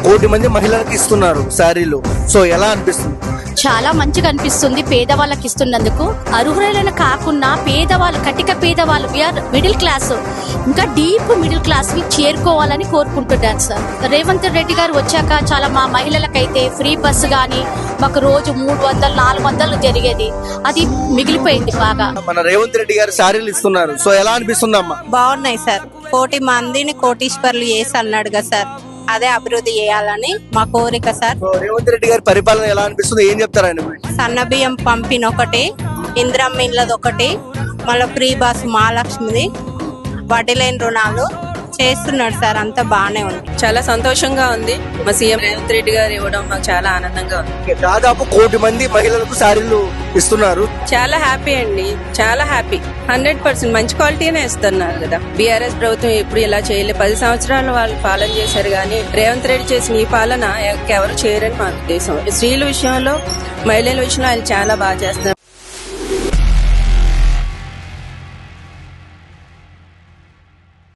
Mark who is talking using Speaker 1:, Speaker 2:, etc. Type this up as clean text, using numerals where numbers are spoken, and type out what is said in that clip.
Speaker 1: కోటి మంది మహిళలకు ఇస్తున్నారు శారీలు. సో ఎలా అనిపిస్తుంది?
Speaker 2: చాలా మంచిగా అనిపిస్తుంది పేదవాళ్ళకి ఇస్తున్నందుకు. అర్హులైన కాకుండా పేదవాళ్ళు, కటిక పేదవాళ్ళు, మిడిల్ క్లాస్, ఇంకా డీప్ మిడిల్ క్లాస్ కి చేరుకోవాలని కోరుకుంటున్నాను సార్. రేవంత్ రెడ్డి గారు వచ్చాక చాలా మా మహిళలకైతే ఫ్రీ బస్సు గానీ మాకు రోజు 300-400 జరిగేది, అది మిగిలిపోయింది బాగా.
Speaker 1: మన రేవంత్ రెడ్డి గారు శారీలు ఇస్తున్నారు. సో ఎలా అనిపిస్తుంది అమ్మా?
Speaker 3: బాగున్నాయి సార్. 1,00,00,000 మందిని కోటీశ్వర్లు చేసి అన్నాడు కదా సార్, అదే అభివృద్ధి చేయాలని మా కోరిక సార్.
Speaker 1: సో రేవంత్ రెడ్డి గారి పరిపాలన ఎలా అనిపిస్తుంది? ఏం చెప్తారు ఆయన గురించి?
Speaker 3: సన్న బియ్యం పంపిన ఒకటి, ఇందిరమ్మ ఇళ్ళది ఒకటి, మళ్ళీ ఫ్రీ బస్ మహాలక్ష్మిది, వడ్డీ లేని రుణాలు చేస్తున్నాడు సార్. అంతా బాగానే ఉంది.
Speaker 4: చాలా సంతోషంగా ఉంది. మా సీఎం రేవంత్ రెడ్డి గారు ఇవ్వడం మాకు చాలా ఆనందంగా ఉంది.
Speaker 1: దాదాపు 1,00,00,000 మంది మహిళలకు శారీలు ఇస్తున్నారు.
Speaker 4: చాలా హ్యాపీ అండి, చాలా హ్యాపీ. 100% మంచి క్వాలిటీనే ఇస్తున్నారు కదా. బీఆర్ఎస్ ప్రభుత్వం ఎప్పుడు ఇలా చేయలేదు. 10 సంవత్సరాలు వాళ్ళు పాలన చేశారు, కానీ రేవంత్ రెడ్డి చేసిన ఈ పాలన ఎవరు చేయరని మా ఉద్దేశం. స్త్రీల విషయంలో, మహిళల విషయంలో ఆయన చాలా బాగా చేస్తున్నారు.